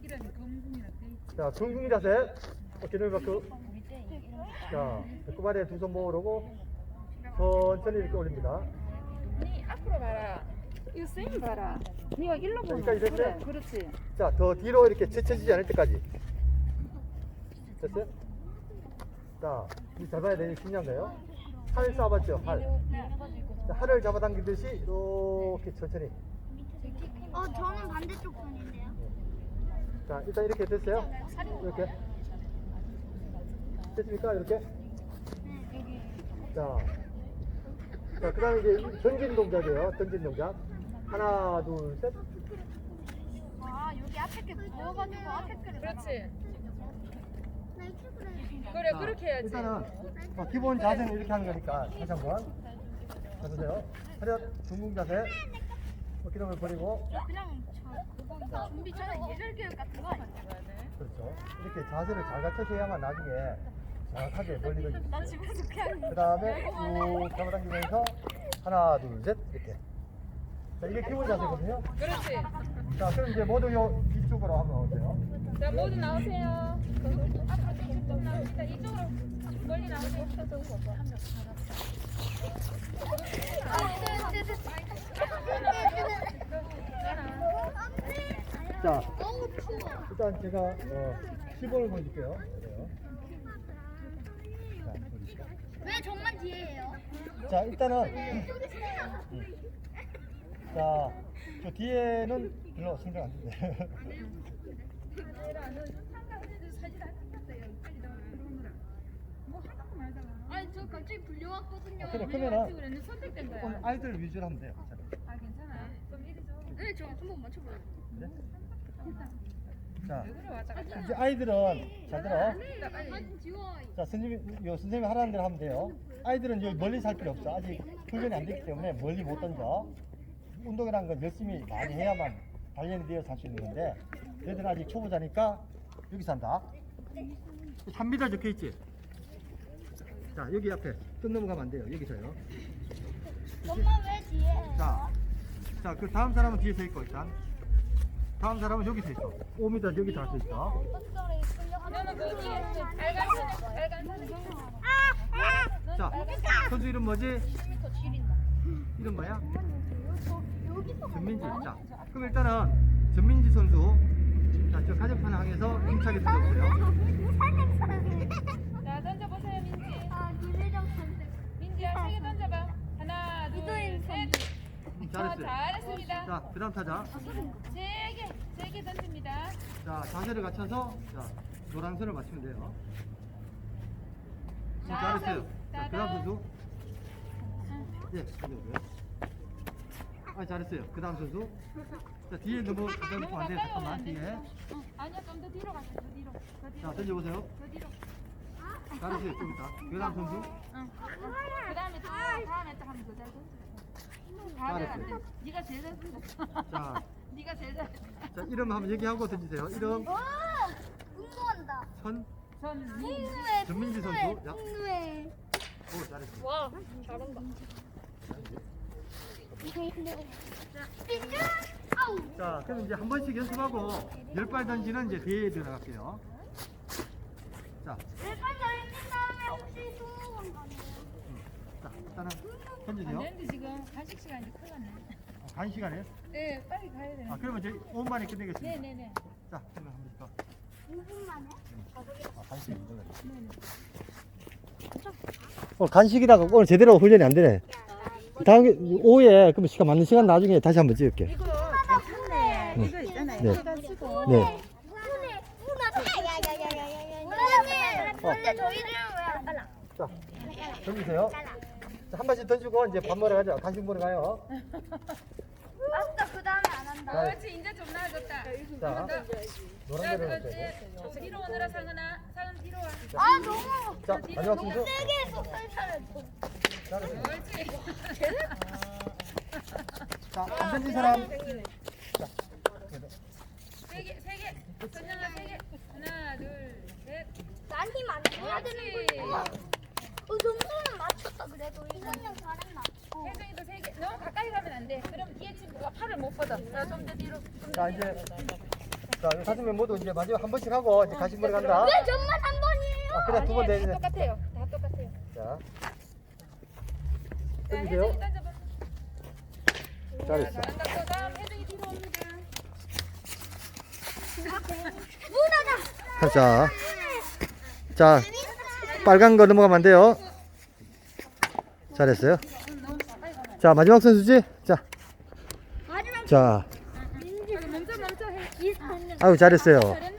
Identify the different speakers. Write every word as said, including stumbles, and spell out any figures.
Speaker 1: 자, 둥둥이 자세. 어깨를 밖으로. 자, 배꼽아래 두 손 모으고 천천히 이렇게 올립니다.
Speaker 2: 니 앞으로 봐라. 이거 쌤 봐라. 니가 일로 보나.
Speaker 1: 여기까지 됐어요?
Speaker 2: 그래, 그렇지.
Speaker 1: 자, 더 뒤로 이렇게 제쳐지지 않을 때까지. 됐어요? 자, 이 잡아야 되는 게 중요한 거예요. 활 쏴봤죠? 활. 자, 활을 잡아당기듯이 이렇게 천천히.
Speaker 3: 어, 저는 반대쪽 손인데요.
Speaker 1: 자, 일단 이렇게 됐어요? 이렇게. 됐습니까? 이렇게. 자, 자, 그 다음에 이제 던진 동작이에요. 던진 동작. 하나, 둘, 셋.
Speaker 3: 아, 여기 앞에 게 부어가지고 앞에 게.
Speaker 2: 그렇지.
Speaker 3: 나 이렇게 그래.
Speaker 2: 그래,
Speaker 1: 자,
Speaker 2: 그렇게 해야지.
Speaker 1: 일단은 어, 기본 자세는 이렇게 하는 거니까 다시 한번 해보세요. 차렷, 둥근 자세. 어깨동을 버리고.
Speaker 3: 그냥 저 그거 준비 전에 예절 교육 같은 거 아니야?
Speaker 1: 그렇죠. 이렇게 자세를 잘 갖춰줘야만 나중에 정확하게 벌리거든요.
Speaker 3: 나 집에서 그냥.
Speaker 1: 그 다음에 쭉 잡아당기면서 하나, 둘, 셋 이렇게. 자, 이게 기본 자세거든요.
Speaker 2: 그렇지.
Speaker 1: 자, 그럼 이제 모두 요 뒤쪽으로 한번 오세요.
Speaker 2: 자, 모두 나오세요. 앞으로 좀 나옵니다. 이쪽으로 멀리 나오세요.
Speaker 1: 자, 일단 제가 어, 십 번을 보여줄게요. 그래요. 자, 보여주시죠.
Speaker 3: 왜 정말 뒤에예요?
Speaker 1: 자, 일단은 음. 자, 저 뒤에는 별로 신경 안 쓰는데.
Speaker 3: 아니 저 갑자기 불려왔거든요.
Speaker 1: 아, 그래, 그러면은
Speaker 2: 그랬는데 선택된 거야.
Speaker 1: 조금 아이들 위주로 하면 돼요.
Speaker 2: 아, 괜찮아. 그럼 이리 줘.
Speaker 3: 네, 저 한번 맞춰봐요.
Speaker 1: 네? 자,
Speaker 2: 왜 그래, 왔다 갔다.
Speaker 1: 이제 아이들은 잘 들어.
Speaker 3: 사진 지워.
Speaker 1: 자, 선생님이, 요 선생님이 하라는 대로 하면 돼요. 아이들은 여기 멀리 살 필요 없어. 아직 훈련이 안 됐기 때문에 멀리 못 던져. 운동이라는 건 열심히 많이 해야만 단련이 되어서 할 수 있는 건데, 얘들은 아직 초보자니까 여기서 한다. 삼 미터 적혀 있지? 자, 여기 앞에 뜬 넘어가면 안 돼요. 여기서요.
Speaker 3: 엄마 왜 뒤에예요?
Speaker 1: 자, 자, 그 다음 사람은 뒤에 서 있고, 일단. 다음 사람은 여기 서 있어. 오 미터 여기 다 서 있어.
Speaker 2: 너는 뭐지? 빨간 선, 빨간 선.
Speaker 1: 자, 선수 이름 뭐지? 이름 뭐야? 전민지. 자, 그럼 일단은 전민지 선수. 자, 저 가정판 항에서 힘차게 던져보세요.
Speaker 2: 자, 던져보세요, 민지.
Speaker 3: 아, 김혜정 선생.
Speaker 2: 민지야, 세개 던져봐. 하나, 둘,
Speaker 3: 이도인
Speaker 2: 셋.
Speaker 1: 음,
Speaker 2: 자,
Speaker 1: 잘했어요.
Speaker 2: 잘했습니다.
Speaker 1: 자, 그 다음 타자.
Speaker 2: 세 개, 세 개 던집니다.
Speaker 1: 자, 자세를 갖춰서 자, 노란선을 맞추면 돼요. 음,
Speaker 2: 자,
Speaker 1: 잘했어요. 자, 그 다음
Speaker 2: 따단.
Speaker 1: 선수. 예, 던져보세요. 아, 잘했어요. 그 다음 선수. 자, 뒤에 너무 가까이
Speaker 2: 너무
Speaker 1: 안 돼.
Speaker 2: 가까이
Speaker 1: 잠깐만,
Speaker 2: 오면 안
Speaker 1: 뒤에.
Speaker 2: 돼. 어, 아니야, 좀 더 뒤로 가자. 더 뒤로. 더 뒤로.
Speaker 1: 자, 던져보세요.
Speaker 2: 더 뒤로.
Speaker 1: 잘했어요. 좀 이따. 그 다음 선수.
Speaker 2: 응. 그 다음에 또 다음에 또 하면 더잘 던져. 다음에 안 돼. 네가 제일 잘 던졌어.
Speaker 1: 자.
Speaker 2: 네가 제일 잘.
Speaker 1: 자, 이름 한번 얘기하고 던지세요. 이름
Speaker 3: 와, 운동한다.
Speaker 1: 천
Speaker 2: 전
Speaker 3: 잉누에.
Speaker 1: 전민지 선수. 야.
Speaker 3: 잉누에.
Speaker 1: 오, 잘했어.
Speaker 2: 와, 잘한다.
Speaker 3: 삐쭉. 아우.
Speaker 1: 자, 그럼 이제 한 번씩 연습하고 열 발 던지는 이제 대회에 들어갈게요. 자,
Speaker 3: 내가 잘했는 다음에 혹시 스무 번 가네요.
Speaker 1: 자, 일단은
Speaker 2: 안
Speaker 1: 던지세요.
Speaker 2: 되는데 지금 간식 시간 이제 큰일 났네.
Speaker 1: 어, 간 시간에.
Speaker 2: 네, 빨리 가야 돼.
Speaker 1: 아, 그러면 이제 오 분 만에 끝내겠습니다.
Speaker 2: 네네네.
Speaker 1: 자, 그러면 한 번씩 더.
Speaker 3: 오 분 만에?
Speaker 1: 아, 간식 이걸로. 오늘 간식이라고 오늘 제대로 훈련이 안 되네. 다음 오후에 그럼 시간 맞는 시간 나중에 다시 한번 찍을게.
Speaker 2: 이거 괜찮네.
Speaker 1: 네.
Speaker 2: 이거 있잖아요.
Speaker 1: 네.
Speaker 2: 해가지고.
Speaker 1: 네.
Speaker 3: 문에 문에 야야야야야야야. 원래 원래 저희들은 왜 안 빨라?
Speaker 1: 자, 던지세요. 자, 한 번씩 던지고 이제 밥 먹으러 가자. 간식 먹으러 가요.
Speaker 3: 아까 그 다음에 안 한다.
Speaker 2: 그렇지, 이제 좀 나아졌다.
Speaker 1: 자,
Speaker 2: 자,
Speaker 1: 노란 데로
Speaker 2: 그렇지.
Speaker 1: 해주세요.
Speaker 2: 좀 뒤로 오느라 상은아, 상은 뒤로 와.
Speaker 3: 아 너무
Speaker 1: 자, 마지막 순서.
Speaker 3: 세게 해서 설치를.
Speaker 1: 잘했어요.
Speaker 2: 옳지.
Speaker 1: 자, 안 던진 사람. 자,
Speaker 2: 세 개, 세 개. 선영아 세 개. 하나, 둘, 셋.
Speaker 3: 난힘안 줘야 되는 거야. 어 점수는 맞췄다 그래도 이선영 잘했나? 어.
Speaker 2: 혜정이도 세 개. 너무 가까이 가면 안 돼. 그럼 뒤에 친구가 팔을 못 뻗어. 자, 좀 더 뒤로. 좀 더
Speaker 1: 자,
Speaker 2: 뒤로.
Speaker 1: 이제 자, 이 다섯 명 모두 이제 마지막 한 번씩 하고 이제 가시머리 간다.
Speaker 3: 왜 정말 한 번이에요?
Speaker 1: 아, 그래 두 번 돼.
Speaker 2: 다 똑같아요. 다 똑같아요.
Speaker 1: 자,
Speaker 2: 자,
Speaker 1: 해주세요.
Speaker 2: 혜정이 던져봐.
Speaker 1: 잘했어.
Speaker 2: 잘한다. 또 다음 혜정이 뒤로 옵니다.
Speaker 3: 누나다.
Speaker 1: 자, 자, 빨간 거 넘어가면 안 돼요. 잘했어요. 자, 마지막 선수지? 자,
Speaker 3: 마지막
Speaker 1: 자,
Speaker 2: 멈춰 멈춰 해.
Speaker 3: 비슷한
Speaker 1: 아유 잘했어요.